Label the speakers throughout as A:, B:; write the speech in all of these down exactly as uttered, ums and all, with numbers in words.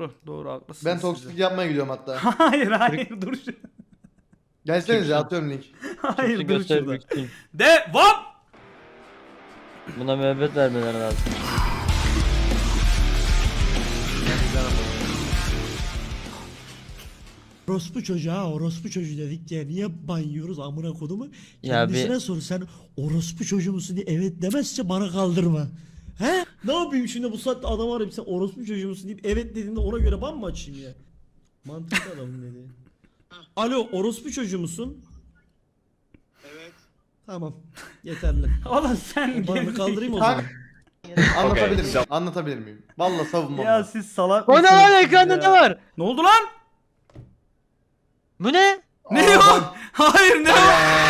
A: Doğru doğru haklısın.
B: Ben toksik yapmaya gidiyorum hatta.
A: Hayır hayır dur şu.
B: Gelsenize atıyorum link.
A: Hayır dur
C: Göster
A: şurada.
C: büyük.
A: Devam.
C: Buna müebbet vermeleri lazım.
D: Orospu çocuğu ha orospu çocuğu dedik diye niye banıyoruz amına kodumu?
C: Ya
D: Kendisine
C: bir-
D: sor sen orospu çocuğu musun diye evet demezse bana kaldırma. He? Ne yapayım şimdi bu saatte adam arayıp sen orospu çocuğu musun deyip evet dediğinde ona göre ban mı açayım ya? Mantıklı adamın dediği. Alo orospu çocuğu musun?
E: Evet.
D: Tamam yeterli.
A: Oğlum sen
D: Banı
A: geri-
D: kaldırayım o zaman.
B: Kanka anlatabilir miyim? Anlatabilir miyim? Vallahi savunmam.
A: Ya
B: var.
A: siz salak
C: O ne
A: mısınız
C: lan
A: siz
C: ekranda
A: ya?
C: ne var?
A: Ne oldu lan?
C: Bu ne?
A: Ne
B: Aa,
A: o?
B: ben-
A: Hayır ne o?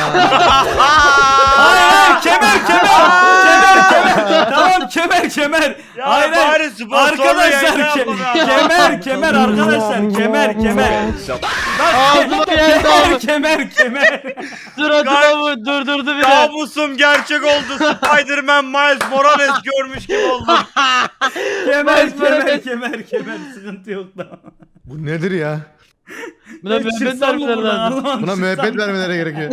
A: Hayır hayır kemer kemer kemer kemer. Tamam kemer kemer.
E: Ya
A: hayır hayır.
E: bari sponsorlu
A: Arkadaşlar
E: yayında
A: ke-
E: yapalım ya.
A: kemer kemer arkadaşlar kemer kemer. Bak
C: Ağzıma geldi
A: kemer
C: abi.
A: kemer kemer.
C: Suratına bu durdurdu bir de.
E: Kabusum gerçek oldu. Spider-Man Miles Morales görmüş gibi oldum.
A: Kemer
C: Bak,
A: kemer
C: böyle-
A: kemer kemer sıkıntı yok da.
B: Bu nedir ya?
C: Buna müebbet
A: Çıksam mı
C: vermeleri
A: buradan?
C: lazım.
A: Allah'ım,
B: Buna
A: çıksam
B: müebbet
A: mı?
B: vermeleri gerekiyor.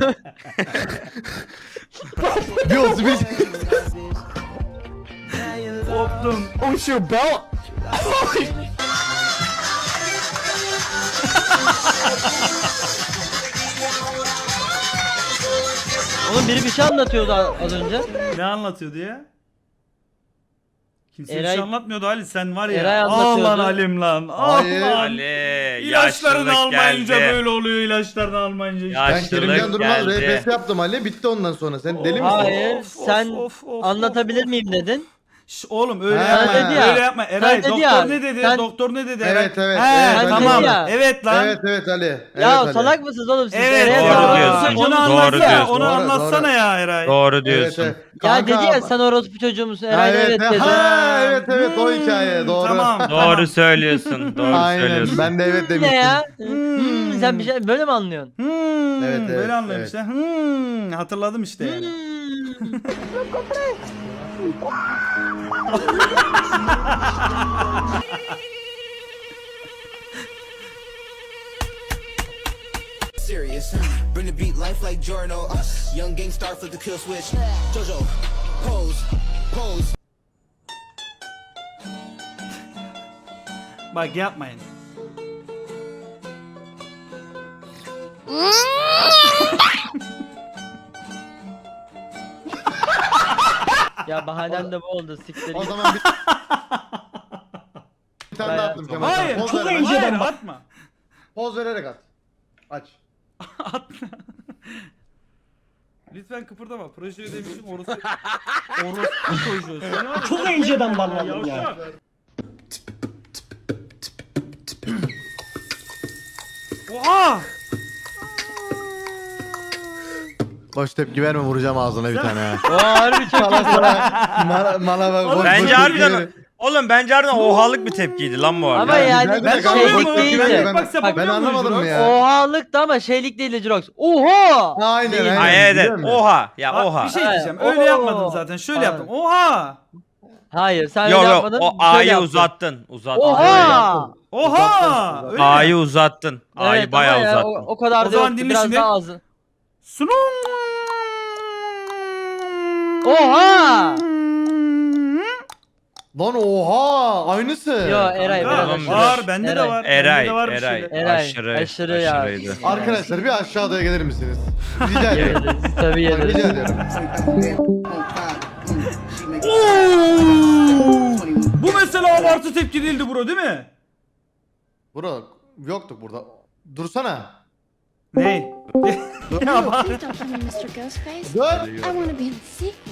B: Bir olsun bir.
A: Koptum.
B: Oh your belt.
C: Oğlum biri bir şey anlatıyordu az önce.
A: Ne anlatıyordu ya? Kimse bir
C: Eray-
A: şey anlatmıyordu Ali sen var ya.
C: Eray
A: Ah
C: anlatıyordu.
A: lan Halim lan. Ah
B: Hayır.
A: lan.
E: Ali
A: İlaçlarını
E: yaşlılık
A: almayınca
E: geldi.
A: böyle oluyor ilaçlarını almayınca. işte.
E: Ya-
B: Ben
E: Yaşlılık
B: Kerimcan Durmaz
E: geldi.
B: R P S yaptım Ali. Bitti ondan sonra. Sen deli misin?
C: Hayır
A: Of, of,
C: sen
A: of, of,
C: anlatabilir
A: of.
C: miyim dedin.
A: Şş, oğlum öyle
B: Ha.
A: yapma.
B: Sen dedi
C: ya.
A: Öyle yapma. Eray
C: Sen dedi
A: doktor
C: ya.
A: ne dedi?
C: Sen-
A: Doktor ne dedi Eray?
B: Evet, evet,
A: He,
B: evet,
C: ben
A: tamam.
C: dedi ya.
A: Evet lan.
B: Evet evet Ali. Evet,
C: Ya
B: Ali.
C: salak mısınız oğlum siz?
A: Evet.
C: Nereye
E: Doğru
A: ya.
C: bağlıyorsunuz?
E: diyorsun.
A: Onu
E: Doğru
A: anlatsana.
E: diyorsun.
A: Onu
B: Doğru,
A: anlatsana
B: doğru.
A: ya Eray.
E: Doğru
B: Evet,
E: diyorsun.
B: evet.
C: Ya
B: Kanka,
C: dedi ya sen orospu çocuğu musun?
B: Ha,
C: Eray evet
B: evet,
C: dedi.
B: ha, evet evet o hikaye doğru.
A: Tamam.
E: Doğru söylüyorsun. Doğru
B: Aynen
E: söylüyorsun.
B: ben de evet
C: Ne
B: demiştim.
C: ya?
A: Hmm.
C: Hmm, sen bir şey böyle mi anlıyorsun?
A: Hmm,
B: Evet, evet,
A: böyle anlamışlar. Hmm, hatırladım işte yani.
C: Hmm.
F: Serious. Bring the beat life like Jordan. Uh, young gang star flip the kill switch. Jojo, pose, pose.
A: Bak yapmayın.
C: Ya bahanem de bu oldu siktir
B: O
C: git.
B: zaman bir... bir tane daha
C: Bayağı-
B: attım Kemal.
A: Hayır,
B: Poz
A: çok
B: vererek-
A: Hayır, atma.
B: Poz vererek at. Aç.
A: Atma. Lütfen kıpırdama. Proje ödemişim orası. Orası çocuğu. Seni var ya-
D: Çok inceden banladım ya.
A: Yavşak. Oha!
B: Boş tepki verme vuracağım ağzına bir tane ha.
C: O harbi çok
B: Sana
C: iyi.
B: sana mala, mala bak. boş- boş
E: Bence
B: tepki
E: harbiden
B: ver.
E: oğlum bence harbiden ohalık bir tepkiydi lan bu arada.
C: Ama yani
B: güzeldi de
A: Ben
B: kanka,
A: anlıyorum
B: boş
A: mu?
B: tepki
C: değildi.
B: verme.
A: Bak,
B: Ben,
A: sen
B: ben
A: bakıyor musun
B: anlamadım mı
A: Jirox?
B: ya?
C: Ohalıktı ama şeylik değildi Jirox. Oha!
B: Aynen
C: Değil.
B: aynen.
E: Ay evet evet.
B: biliyor musun?
E: Oha. Ya
A: Bak,
E: oha.
A: bir şey diyeceğim.
C: Ha,
A: Öyle
C: oo.
A: yapmadım zaten. Şöyle
C: Ha.
A: yaptım. Oha!
C: Hayır sen
E: Yok
C: öyle
E: yok
C: yapmadın.
E: o
C: şöyle
E: A'yı
C: yaptın.
E: uzattın. Uzattın.
C: Oha!
A: Oha! Öyle mi?
E: A'yı uzattın. A'yı
C: Evet,
E: bayağı
C: ama ya,
E: uzattın.
C: O, o kadar
A: O
C: da
A: zaman
C: yoktu.
A: dinle
C: Biraz
A: şimdi.
C: daha azı.
A: Sunum.
C: Oha!
B: Lan oha aynısı.
C: Yo Eray
A: Ya,
C: biraz
E: Tamam,
C: aşırı.
A: var bende de
C: Eray.
A: var.
E: Eray,
A: bende de var bir
E: Eray,
A: şeyler.
C: Eray,
E: aşırı,
C: aşırı ya.
E: aşırıydı.
B: Arkadaşlar bir aşağıya gelir misiniz? Rica ediyorum.
C: Yediriz, tabii
B: Bak,
C: yediriz.
B: rica ediyorum.
A: Oo! Bu mesela abartı tepki değildi bro değil mi?
B: Bro yoktuk burada. Dursana.
A: Ne?
B: Dur.
A: Ya bak.
G: Please don't call me mister Ghostface.
B: Dur.
G: I want to be in the sequel.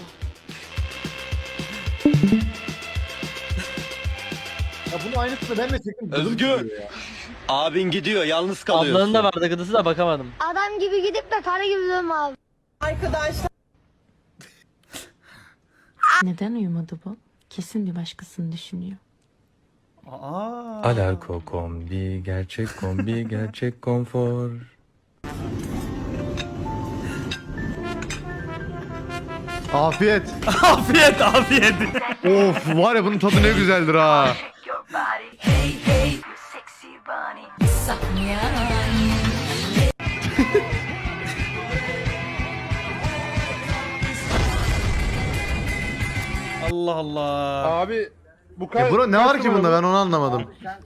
B: Ya bunun aynısını ben de çektim.
H: Özgür. Abin gidiyor, yalnız kalıyorsun.
C: Ablanın da vardı gıdısı da bakamadım.
G: Adam gibi gidip de karı gibi dönme abi.
I: Neden uyumadı bu? Kesin bir başkasını düşünüyor.
A: Aa.
J: Alarko kombi, gerçek kombi, gerçek konfor.
B: Afiyet.
A: Afiyet afiyet.
B: Of var ya bunun tadı ne güzeldir ha.
F: Hey, hey.
A: Allah Allah.
E: Abi bu
B: Ya bro ne var ki bunda ben onu anlamadım.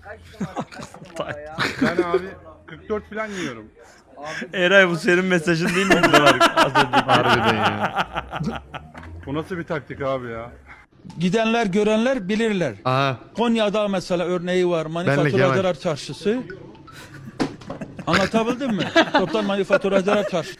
E: Ben abi kırk dört falan yiyorum.
A: Eray bu senin mesajın değil mi? Burada var. Az önceki.
B: Harbiden ya.
E: Bu nasıl bir taktik abi ya?
K: Gidenler görenler bilirler.
B: Aha.
K: Konya'da mesela örneği var.
B: Kemal.
K: Manifaturacılar Çarşısı. Anlatabildim mi? Toptan Manifaturacılar Çarşısı.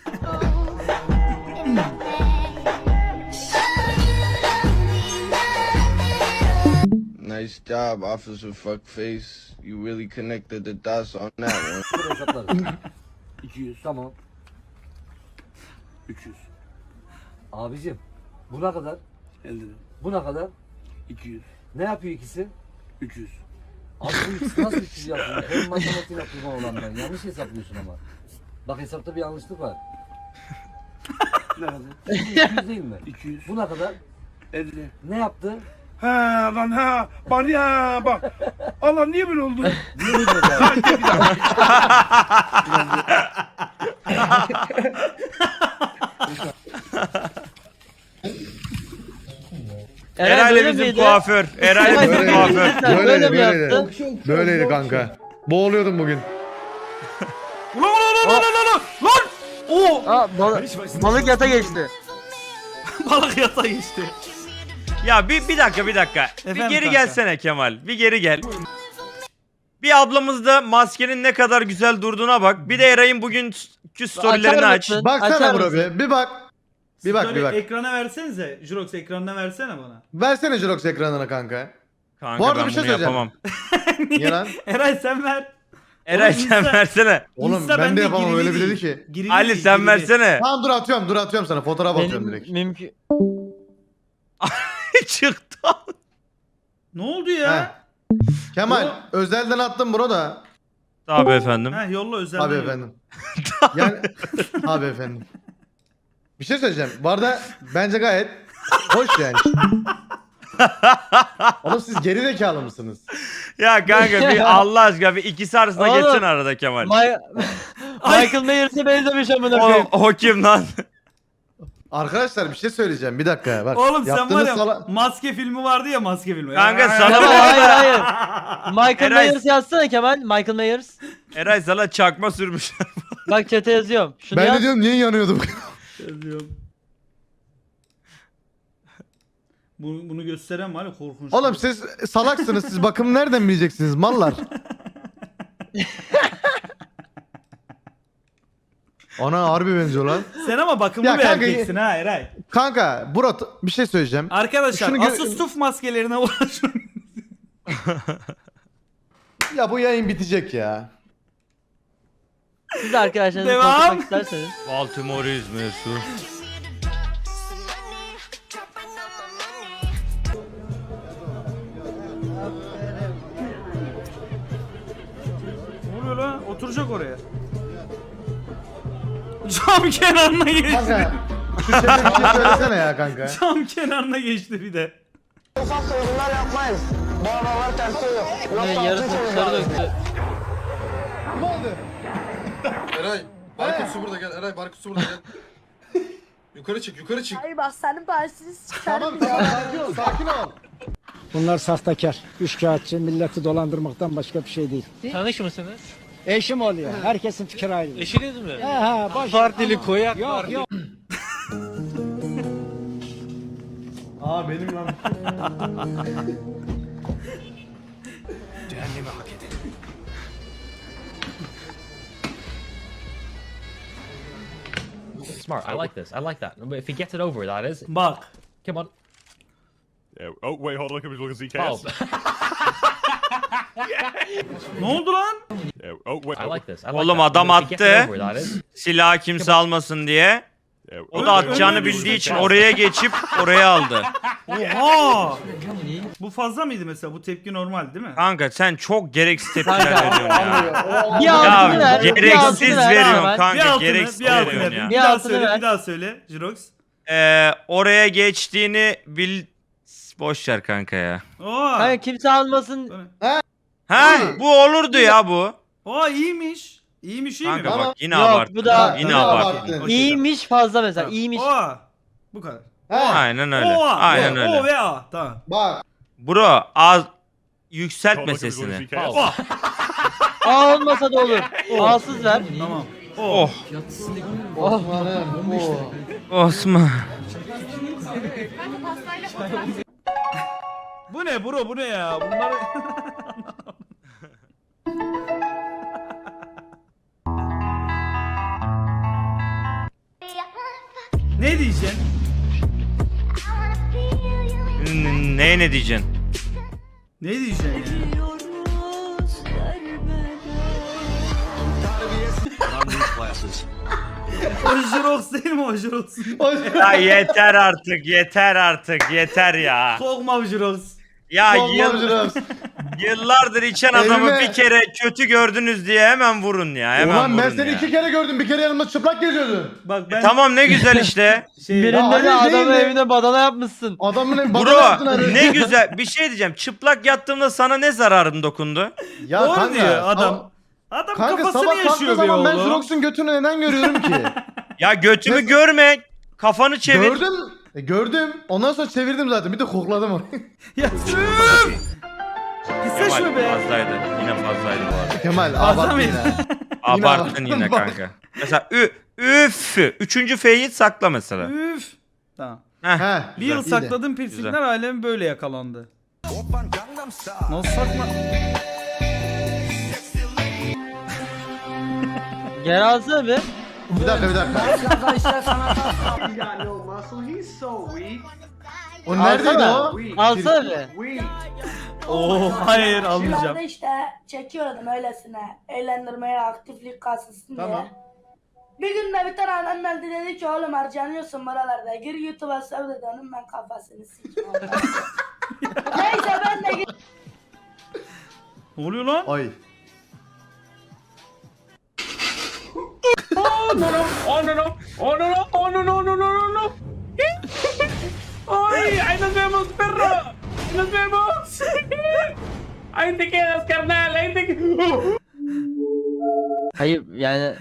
H: Nice job, Officer Fuckface. You really connected the dots on that one.
F: iki yüz tamam. üç yüz. Abicim bu ne kadar? elli. Bu ne kadar? iki yüz. Ne yapıyor ikisi? üç yüz. Abi bu ikisi nasıl üç yüz yapıyor? Benim matematiğim yaptığım olan ben. Yanlış hesaplıyorsun ama. Bak hesapta bir yanlışlık var. Ne kadar? iki yüz değil mi? iki yüz. Bu ne kadar? elli. Ne yaptı?
E: He lan ha. Bana ya bak. Allah niye böyle oldu?
F: Niye böyle oldu?
C: böyle
E: Eray ile bizim
C: miydi?
E: kuaför. Eray ile bizim
B: Böyle-
E: kuaför.
C: Böyle
B: Böyleydi
C: mi
B: böyleydi.
C: yaptın?
B: Böyleydi kanka. Boğuluyordum bugün.
A: Ulan ulan ulan ulan ulan lan! Oo!
C: Aa, balık, balık yata geçti.
A: Balık yata geçti.
E: Ya bir, bir dakika bir dakika. bir
A: Efendim
E: geri
A: kanka?
E: gelsene Kemal. Bir geri gel. Bir ablamız da maskenin ne kadar güzel durduğuna bak. Bir de Eray'ın bugünkü storylerini
C: Açar
E: aç.
C: mısın?
B: Baksana
C: Açar
B: bro
C: mısın?
B: bir. Bir bak. Bir bak bir
A: Story
B: bak.
A: Ekrana versenize. Jurox ekranına versene bana.
B: Versene Jirox ekranına kanka.
E: Kanka
B: Bu arada
E: ben
B: bir şey
E: bunu
B: söyleyeceğim.
E: yapamam.
B: Niye lan?
A: Eray sen ver.
E: Eray
A: Oğlum
E: sen
A: Insta-
E: versene.
B: Oğlum
A: Insta
B: ben
A: bende
B: de yapamam
A: girili
B: öyle bir dedi
A: değil.
B: ki.
A: Girili
E: Ali
A: değil,
E: sen
A: girili.
E: versene.
B: Tamam dur atıyorum dur atıyorum sana fotoğraf atıyorum direkt.
C: Benim mümkün.
E: Çıktı.
A: Ne oldu ya?
B: Kemal
A: Bro.
B: özelden attım bro da.
E: Tabii efendim.
A: Ha yolla özel.
B: Abi efendim. Yani abi efendim. Bir şey söyleyeceğim. Bu arada bence gayet hoş yani. Oğlum siz geri zekalı mısınız?
E: Ya kanka bir Allah aşkına bir ikisi arasında
C: Oğlum.
E: geçsin arada Kemal.
C: Ma- Michael Myers'e benzemiş amına
E: O,
C: koyayım.
E: o kim lan?
B: Arkadaşlar bir şey söyleyeceğim. Bir dakika bak.
A: Oğlum sen var
B: yaptığınız
A: ya
B: sala-
A: maske filmi vardı ya maske filmi.
E: Kanka
A: Ya-
E: sana-
C: Tamam, hayır hayır. Michael
E: Eray-
C: Myers yazsana Kemal. Michael Myers.
E: Eray sana çakma sürmüş.
C: Bak chat'e yazıyorum. Şunu
B: Ben
C: yaz.
B: de diyorum niye yanıyordum?
A: Yazıyorum. Bunu, bunu gösteren var ya korkunç.
B: Oğlum siz salaksınız siz bakım nereden bileceksiniz mallar? Ana harbi benziyor lan.
A: Sen ama bakımlı
B: Ya
A: bir
B: kanka-
A: erkeksin ha Eray.
B: Kanka Burak bir şey söyleyeceğim.
A: Arkadaşlar
B: Şunu gö-
A: Asus maskelerine ulaşın.
B: Ya bu yayın bitecek ya.
C: Siz de arkadaşlarınızı
A: Devam.
C: konuşmak isterseniz.
E: Baltimore İzmir'su.
A: Ne oluyor lan? Oturacak oraya. Cam kenarına geçti.
B: Kanka şu chat'e bir şey söylesene ya kanka.
A: Cam kenarına geçti bir de.
C: Ne yarısını dışarı döktü.
J: Eray, Barkut su burada gel. Eray, Barkut su burada gel. Yukarı çık, yukarı çık.
G: Ay bak senin parçası
B: Tamam tamam sakin ol sakin ol.
K: Bunlar sahtekar, üçkağıtçı, milleti dolandırmaktan başka bir şey değil.
C: Tanış mısınız?
K: Eşim oluyor. Herkesin fikri ayrı.
C: Eşiniz mi?
K: He he, baş.
C: Partili koyak
K: Yok yok.
B: Aa benim lan.
J: Smart, I like this, I like that. If he gets it over, that is.
A: Bak.
J: Come on.
E: Oh wait hold on, look at Z
J: Oh,
A: Ne oldu lan?
E: Oh wait.
J: I like this, I like
E: Oğlum
J: that.
E: adam
J: If he gets it
E: attı.
J: over, that is.
E: Silahı kimse almasın diye. O da atacağını bildiği için oraya geçip oraya aldı.
A: Oha! Bu fazla mıydı mesela? Bu tepki normal değil mi?
E: Kanka sen çok gereksiz tepkiler
C: Kanka.
E: veriyorsun ya.
C: Bir
E: Ya
C: altını ver. bir altını
E: gereksiz
C: ver
E: veriyorsun
C: hemen.
A: Bir
E: kanka,
A: altını,
E: gereksiz
A: bir altını
E: veriyorsun
A: yapayım.
E: ya.
A: Bir daha
C: altını
A: söyle,
C: ver.
A: bir daha söyle Jirox.
E: Ee, oraya geçtiğini bil... Boş ver kanka ya.
A: Oo.
C: Kanka kimse almasın.
E: Ha bu olurdu ya bu.
A: Aa iyiymiş. İyiymiş iyi mi?
E: Kanka
B: Ama-
E: bak yine
C: Yok,
E: abarttın.
C: bu da-
E: Yine
B: Ne
E: abarttın.
B: abarttın?
C: İyiymiş fazla mesela.
A: Tamam.
C: İyiymiş.
A: Oha. Bu kadar.
B: He.
E: Aynen öyle.
A: Oha.
E: Aynen
A: O,
E: öyle.
A: O ve A. Tamam.
B: Bak.
E: Bro az yükseltme sesini.
A: Oh.
C: A olmasa da olur. A'sız ver.
A: Tamam.
E: Oh
C: Oh.
B: Osman'ım. Oo.
E: Osman.
A: Bu ne bro bu ne ya? Bunlar Ne diyeceksin?
E: N- Neye ne diyeceksin?
A: Ne diyeceksin ya? O Jirox değil mi o Jirox?
E: Ya yeter artık yeter artık yeter ya.
A: Kokma Jirox.
E: Ya
B: Olmaz
E: yıl,
B: biraz.
E: yıllardır içen adamı
B: Elime-
E: bir kere kötü gördünüz diye hemen vurun ya. Hemen
B: Ulan ben
E: vurun
B: seni
E: ya.
B: iki kere gördüm. Bir kere yanımda çıplak geziyordun.
A: Bak ben
E: Tamam ne güzel işte.
A: şey
B: Ya
C: Birinde de
B: Ali değil
C: adamın
B: de-
C: evine badana yapmışsın.
B: Adamın evi bana yaptın
E: Bro
B: arı.
E: ne güzel bir şey diyeceğim. Çıplak yattığımda sana ne zararım dokundu?
B: Ya
A: doğru
B: kanka,
A: diyor adam.
B: ama-
A: Adam
B: Kanka
A: kafasını
B: sabah kalktığı
A: yaşıyor be
B: zaman ben
A: oğlum.
B: Jirox'un götünü neden görüyorum ki?
E: Ya götümü
B: Nasıl-
E: görme. Kafanı çevir.
B: Gördüm. E, gördüm. Ondan sonra çevirdim zaten. Bir de kokladım onu.
A: Ya üf! Pisleşme
E: Kemal
A: be.
E: fazlaydı. Yine fazlaydı bu arada.
B: Kemal
A: Fazla
B: abarttın
A: mıydı?
B: yine.
E: Abarttın
B: abarttın
E: yine
B: bak.
E: kanka. Mesela ü, üf. Üçüncü F'yi sakla mesela.
A: Üf. Tamam.
E: Heh.
B: He.
A: Bir yıl
B: iyi de.
A: sakladığım piercingler alemi böyle yakalandı. Nasıl sakla?
C: Geri alsana bir.
B: Bir dakika bir dakika. O neredeydi
C: Alsana.
B: o?
C: Alsana bir.
A: Oo hayır almayacağım.
G: işte çekiyordum öylesine. Eğlendirmeye, aktiflik kasılsın
B: Tamam.
G: diye. Bir gün de bir tane adam geldi dedi ki oğlum harcanıyorsun buralarda. Gir YouTube'a sev dedi onun ben kafasını sikeyim. Neyse ben de gittim.
A: Ne oluyor lan?
B: Ay.
A: Ay, ahí nos vemos, perro. Nos vemos. Ahí te quedas, carnal. Ahí te
C: Hayır yani.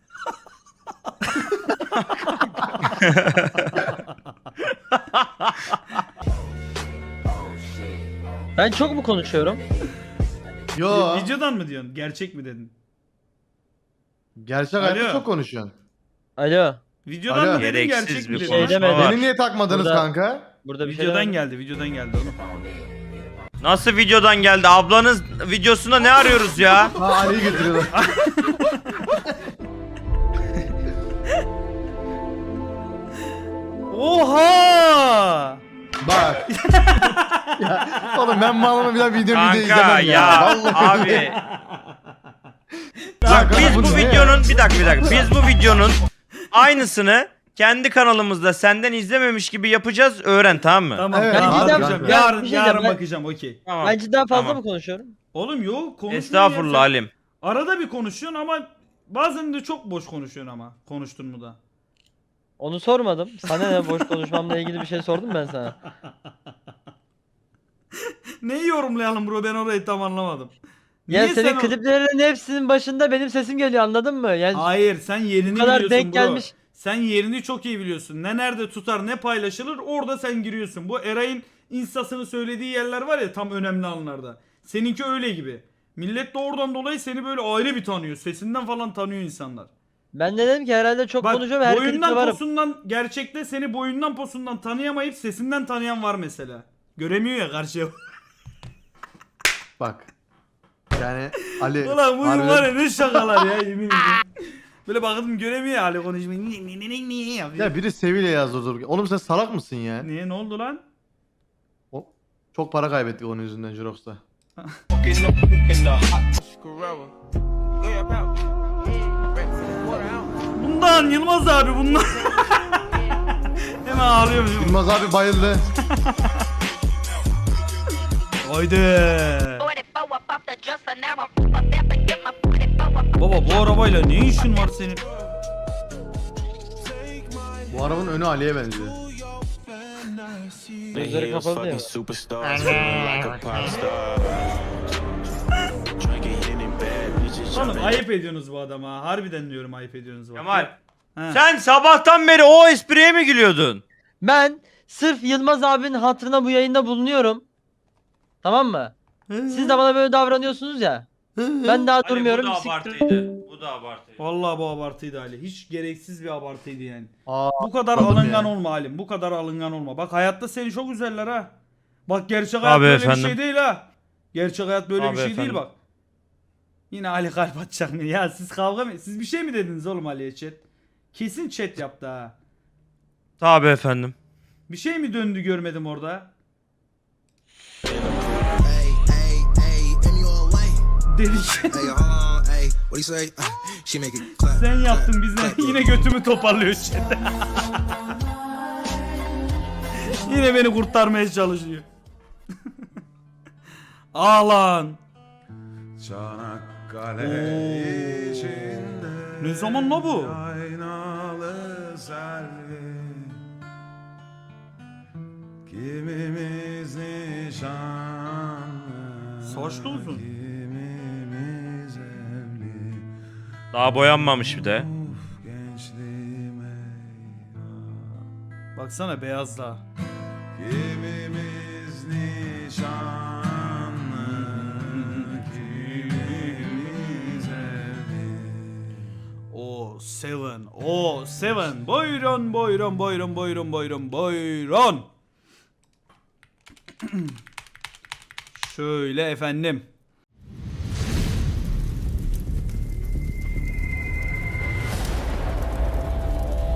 C: Ben çok mu konuşuyorum?
B: Yo.
A: Videodan mı diyorsun? Gerçek mi dedin?
B: Gerçek
A: Alo.
B: hayatta çok konuşuyorsun.
C: Alo.
A: Videodan
B: Alo.
A: mı dedin?
E: Gereksiz
A: Gerçek mi
E: bir
A: dedin?
C: Şey
E: konuşma
C: demedim.
E: var.
B: Beni niye takmadınız
C: Burada-
B: kanka?
C: Burada bir şey
A: Videodan
C: demedim.
A: geldi, videodan geldi oğlum.
E: Nasıl videodan geldi? Ablanız videosunda ne arıyoruz ya?
B: Ha Ali'yi getiriyorlar.
A: Oha!
B: Bak. Ya, oğlum ben malımı bir daha video video
E: Kanka
B: izlemem ya.
E: ya
B: Vallahi.
E: abi.
B: Kanka,
E: Bak biz
B: bu
E: bu
B: ne?
E: videonun bir dakika bir dakika. Biz bu videonun aynısını kendi kanalımızda senden izlememiş gibi yapacağız. Öğren tamam mı?
A: Tamam,
B: Evet,
A: tamam,
B: abi,
A: bakacağım.
B: abi.
A: Yarın,
C: Bir şey
A: yarın
C: diyeceğim, ben-
A: bakacağım, okey.
E: Tamam.
C: Ben cidden fazla
E: Tamam.
C: mı konuşuyorum?
A: Oğlum yok, konuşmuyor.
E: Estağfurullah
A: ya sen.
E: Halim.
A: Arada bir konuşuyorsun ama bazen de çok boş konuşuyorsun ama. Konuştun mu da.
C: Onu sormadım. Sana ne boş konuşmamla ilgili bir şey sordum ben sana.
A: Neyi yorumlayalım bro, ben orayı tam anlamadım.
C: Ya
A: Niye
C: senin
A: sen o-
C: kliplerinin hepsinin başında benim sesim geliyor anladın mı? Yani
A: Hayır, sen yerini
C: bu kadar
A: biliyorsun
C: denk
A: bro.
C: gelmiş.
A: Sen yerini çok iyi biliyorsun. Ne nerede tutar, ne paylaşılır, orada sen giriyorsun. Bu Eray'ın instasını söylediği yerler var ya, tam önemli anlarda. Seninki öyle gibi. Millet de oradan dolayı seni böyle ayrı bir tanıyor. Sesinden falan tanıyor insanlar.
C: Ben de dedim ki herhalde çok
A: Bak,
C: konuşuyorum her klipte
A: boyundan
C: varım.
A: posundan, gerçekte seni boyundan posundan tanıyamayıp sesinden tanıyan var mesela. Göremiyor ya karşıya.
B: Bak. Yani Ali.
A: Ulan bu
B: harbiden-
A: var ya ne şakalar ya, yemin ederim. Böyle baktım göremiyor ya Ali konuşmayı. Niye niye niye niye yapıyor?
B: Ya biri Sevilla yazdı dur. Oğlum sen salak mısın ya?
A: Niye, ne oldu lan?
B: O- Çok para kaybettik onun yüzünden Jirox'ta.
A: Bundan Yılmaz abi bundan. Hemen ağlıyorum.
B: Yılmaz abi bayıldı.
A: Haydi. Baba bu arabayla ne işin var senin?
B: Bu arabanın önü Ali'ye benziyor.
C: Gözleri kapalı değil mi?
A: Oğlum ayıp ediyorsunuz bu adama. Harbiden diyorum ayıp ediyorsunuz. bak.
E: Kemal.
A: He.
E: Sen sabahtan beri o espriye mi gülüyordun?
C: Ben sırf Yılmaz abinin hatırına bu yayında bulunuyorum. Tamam mı? Siz de bana böyle davranıyorsunuz ya. Ben daha
E: Ali,
C: durmuyorum.
E: bu da
C: siktir-
E: abartıydı. Bu da abartıydı.
A: Vallahi bu abartıydı Ali. Hiç gereksiz bir abartıydı yani.
B: Aa,
A: Bu kadar
B: anladım
A: alıngan
B: ya.
A: olma Halim. Bu kadar alıngan olma. Bak hayatta seni çok üzerler ha. Bak gerçek hayat
E: Abi
A: böyle
E: efendim.
A: bir şey değil ha. Gerçek hayat böyle
E: Abi
A: bir şey
E: efendim.
A: değil bak. Yine Ali kalp atacak mı? Ya siz kavga mı? Siz bir şey mi dediniz oğlum Ali'ye chat? Kesin chat yaptı ha.
E: Tabii efendim.
A: Bir şey mi döndü görmedim orada? Dedik. Sen yaptın biz ne? Yine götümü toparlıyor chat. Yine beni kurtarmaya çalışıyor. Ağlan.
L: Çanakkale
A: Oo.
L: içinde
A: Ne zaman la bu?
L: aynalı selvi, kimimiz nişanlı,
A: Saçlı uzun.
L: kimimiz evli.
E: Daha boyanmamış bir de.
L: Uf, gençliğim eyvah.
A: Baksana beyaz da.
L: Kimimiz nişanlı, kimimiz evli.
A: O seven. O seven. Buyurun buyurun buyurun buyurun buyurun buyurun. Şöyle efendim.